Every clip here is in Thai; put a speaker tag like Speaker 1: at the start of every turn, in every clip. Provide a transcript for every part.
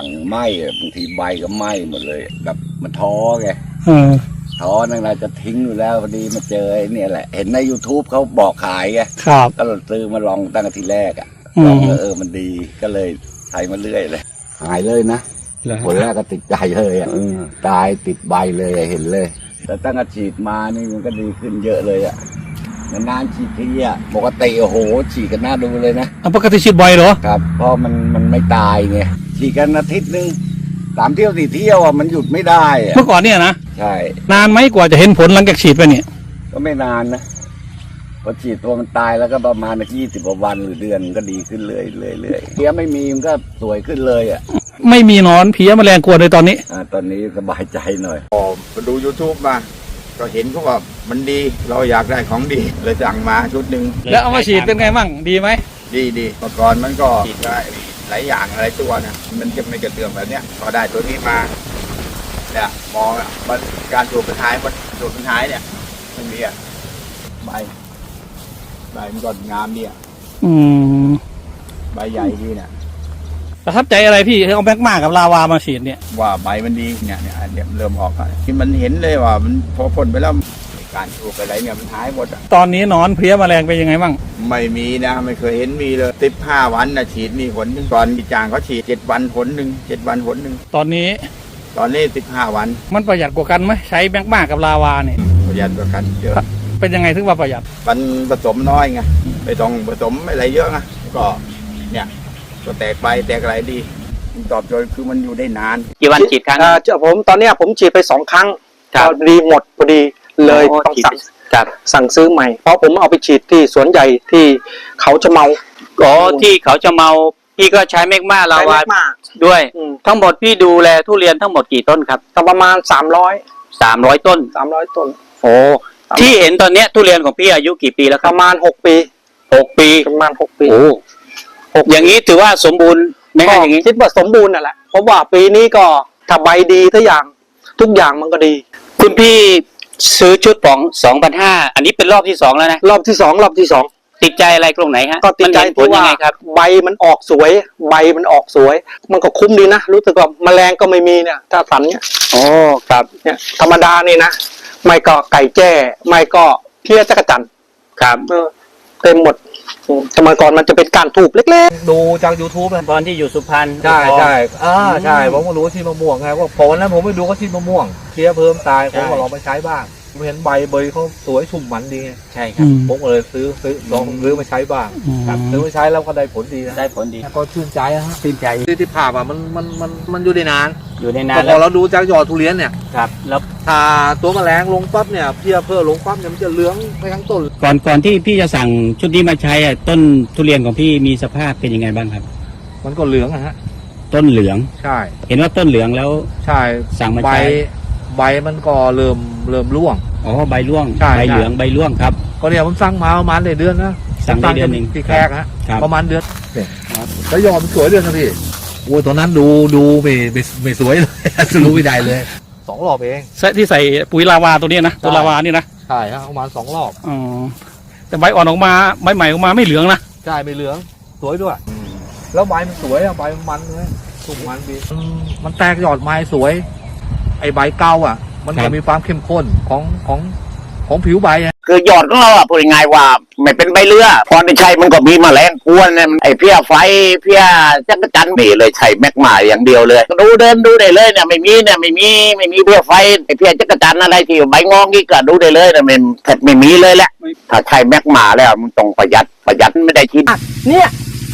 Speaker 1: งไหม้บางทีใบก็ไหม้หมดเลยแบบมันท้อไงท้อนั่นแหละจะทิ้งอยู่แล้วพอดีมาเจอไอ้เนี่ยแหละเห็นใน YouTube เขาบอกขายไงครับก็ซื้อมาลองตั้งแต่ทีแรกลองมันดีก็เลยใช้มาเรื่อยเลยหายเลยนะคนแรกก็ติดใจเลยตายติดใบเลยเห็นเลยแต่ตั้งแต่ฉีดมานี่มันก็ดีขึ้นเยอะเลยนานๆฉีดทีปกติโอ้โหฉีดกันน่าดูเลยนะ
Speaker 2: ปกติฉีดบ่อยเหรอ
Speaker 1: ครับเพราะมันไม่ตายไงฉีดกันอาทิตย์นึง3 เที่ยว4 เที่ยวมันหยุดไม่ได้
Speaker 2: เมื่อก่อนเนี่ยนะ
Speaker 1: ใช่
Speaker 2: นานไหมกว่าจะเห็นผลหลังจากฉีดไปเนี่ย
Speaker 1: ก็ไม่นานนะพอฉีดตัวมันตายแล้วก็ประมาณ20 กว่าวันหรือเดือนก็ดีขึ้นเรื่อยเพี้ยไม่มีมันก็สวยขึ้นเลย
Speaker 2: ไม่มีนอนเพี้ยแมลงกวนเลยตอนนี้
Speaker 1: ตอนนี้สบายใจหน่อย
Speaker 3: พอมาดู YouTube มาก็เห็นเขาว่ามันดีเราอยากได้ของดีเลยสั่งมาชุดหนึ่ง
Speaker 2: แล้วเอามาฉีดเป็นไงมั่งดีไหม
Speaker 3: ดีเมื่อก่อนมันก็ฉีดได้หลายอย่างหลายตัวนะมันจะไม่กระเตื้องแบบเนี้ยพอได้ตัวนี้มาเนี่ยมองมันการสูบเป็นท้ายเนี่ยมันมีใบมันก็งามดีใบใหญ่ดีเนี่ย
Speaker 2: ประทับใจอะไรพี่เอาแมกมากับลาวามาฉีดเนี่ย
Speaker 3: ว่าใบมันดีเนี่ยเริ่มออกที่มันเห็นเลยว่ามันพอพ่นไปแล้วการปลูกอะไรเนี่ยมันหายหมด
Speaker 2: ตอนนี้นอนเพลี้ยแมลงเป็นยังไงบ้าง
Speaker 3: ไม่มีนะไม่เคยเห็นมีเลย15 วันนะฉีดมีผลหนึ่งตอนจางเขาฉีด7 วันผลหนึ่ง7 วันผลหนึ่ง
Speaker 2: ตอนนี้
Speaker 3: 15 วัน
Speaker 2: มันประหยัดกว่ากันไหมใช้แมกมากับลาวาเนี่ย
Speaker 3: ประหยัดกว่ากันเยอะ
Speaker 2: เป็นยังไงถึงว่าประหยัด
Speaker 3: มันผสมน้อยไงไม่ต้องผสมอะไรเยอะนะก็เนี่ยก็แตกใบแตกอะไรดีตอบโจทย์คือมันอยู่ได้นาน
Speaker 4: กี่วันฉีดครั้ง
Speaker 5: ผมตอนนี้ผมฉีดไป2 ครั้งพอดีหมดพอดีเลยต้องสั่งซื้อใหม่เพราะผมเอาไปฉีดที่สวนใหญ่ที่เขาจะเมา
Speaker 4: ที่เขาจะเมาพี่ก็ใช้แมกมาลาวาด้วยทั้งหมดพี่ดูแลทุเรียนทั้งหมดกี่ต้นครับ
Speaker 5: ประมาณ300
Speaker 4: ต้น
Speaker 5: โอ้
Speaker 4: ที่เห็นตอนนี้ทุเรียนของพี่อายุกี่ปีแล้วครับ
Speaker 5: ประมาณ6 ปีประมาณ6 ปี
Speaker 4: โอ้อย่างนี้ถือว่าสมบูรณ์ไหมอย่างนี้
Speaker 5: คิดว่าสมบูรณ์นั่นแหละเพราะว่าปีนี้ก็ถ้าใบดีทุกอย่างมันก็ดี
Speaker 4: คุณพี่ซื้อชุดของ 2,500 อันนี้เป็นรอบที่2แล้วนะ
Speaker 5: รอบที่2ติ
Speaker 4: ดใจอะไรตรงไหนฮะ
Speaker 5: ก็ติดใจเพราะว่าใบมันออกสวยมันก็คุ้มดีนะรู้สึกว่าแมลงก็ไม่มีเนี่ยถ้าสันเนี่ย
Speaker 4: ครับ
Speaker 5: เนี่ยธรรมดานี่นะไม่ก็ไก่แจ้ไม่ก็เพี้ยจักรจั่น
Speaker 4: ครับ
Speaker 5: เต็มหมดสมัยก่อนมันจะเป็นการถูกเล็ก
Speaker 6: ๆดูจาก YouTube
Speaker 4: ตอนที่อยู่สุพรรณ
Speaker 6: ใช่ผมก็รู้ที่มะม่วงไงว่าพอวันนั้นผมไปดูก็ที่มะม่วงเพี้ยเพิ่มตายผมก็ลองไปใช้บ้างเห็นใบเบยเขาสวยชุ่มมันดี
Speaker 4: ใช่ครับ
Speaker 6: ผมก็เลยซื้อลองซื้อมาใช้บ้างซื้อมาใช้แล้วก็ได้ผลดีนะ
Speaker 4: ได้ผลดี
Speaker 6: ก็ชื่นใจฮะ
Speaker 4: ชื่นใจ
Speaker 6: ที่ผ่ามันอยู่ได้นาน
Speaker 4: พ
Speaker 6: อเราดูจากยอดทุเรียนเนี่ย
Speaker 4: ครับแล้ว
Speaker 6: ถ้าตัวแมลงลงปั๊บเนี่ยเพี้ยเพิ่มลงปั๊บเนี่ยมันจะเหลืองไปทั้งต้น
Speaker 2: ก่อนที่พี่จะสั่งชุดนี้มาใช้ต้นทุเรียนของพี่มีสภาพเป็นยังไงบ้างครับ
Speaker 6: มันก็เหลืองฮะ
Speaker 2: ต้นเหลือง
Speaker 6: ใช่
Speaker 2: เห็นว่าต้นเหลืองแล้ว
Speaker 6: ใช่
Speaker 2: สั่งมาใช้
Speaker 6: ใบมันก็เริ่มร่วง
Speaker 2: ใบร่วงใบเหลืองใบร่วงครับ
Speaker 6: ก็เนี่ยผมสั่งมาประมาณเดือนนะ
Speaker 2: สั่งได้เดือนนึง
Speaker 6: ที่แขกฮะประมาณเดือนเนี่ยแล้วยอดมันสวยเดือนนะพี่โอ้ยตอนนั้นดูไม่สวยเลยรู้ไม่ได้เลย2 รอบเอง
Speaker 2: ที่ใส่ปุ๋ยลาวาตัวนี้นะตัวลาวานี่นะ
Speaker 6: ใช่ฮะประมาณ2 รอบ
Speaker 2: แต่ใบอ่อนออกมาใบใหม่ออกมาไม่เหลืองนะ
Speaker 6: ใช่ไม่เหลืองสวยด้วยแล้วใบมันสวยใบมันเลยสุ่มมันดีมันแตกยอดไม้สวยไอใบเก่ามันจะมีความเข้มข้นของผิวใบ
Speaker 4: คือยอดของเราพูดง่ายว่าไม่เป็นใบเรือพอได้ใช้มันก็มีแมลงกวนเนี่ยไอเพี้ยไฟเพี้ยจักรจันทร์นี่เลยใช้แมกมาอย่างเดียวเลยเดินดูได้เลยเนี่ยไม่มีเพี้ยไฟไอเพี้ยจักรจันทร์อะไรที่ใบงองนี่ก็ดูได้เลยเนี่ยมันแทบไม่มีเลยแหละถ้าใช้แมกมาแล้วมันต้องประหยัดไม่ได้ฉีด
Speaker 5: เนี่ย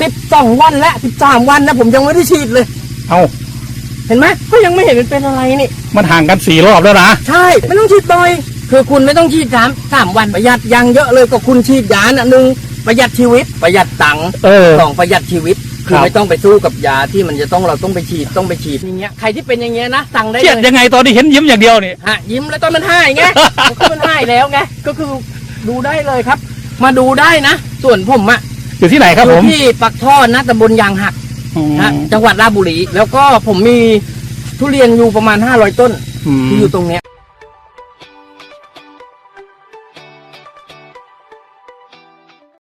Speaker 5: 12 วันและ13 วันนะผมยังไม่ได้ฉีดเลยเห็นไหมก็ยังไม่เห็นมันเป็นอะไรนี่
Speaker 2: มันห่างกัน4 รอบแล้วนะ
Speaker 5: ใช่ไม่ต้องฉีดบ่อยคือคุณไม่ต้องฉีด3 วันประหยัดยังเยอะเลยก็คุณฉีดยา1ประหยัดชีวิตประหยัดตังค์2ประหยัดชีวิตคือไม่ต้องไปสู้กับยาที่มันจะเราต้องไปฉีดอย่างเงี้ยใครที่เป็นอย่างเงี้ยนะสั่งได้เลย
Speaker 2: เครียดยังไงตอนที่เห็นยิ้มอย่างเดียวนี่
Speaker 5: ยิ้มแล้วตอนมันหายไงมันหายแล้วไงก็คือดูได้เลยครับมาดูได้นะส่วนผม
Speaker 2: อยู่ที่ไหนครับผม
Speaker 5: ที่ปักท่อนะตำบลยางหักจังหวัดราชบุรีแล้วก็ผมมีทุเรียนอยู่ประมาณ500 ต้นที่อยู่ตรงเนี้ย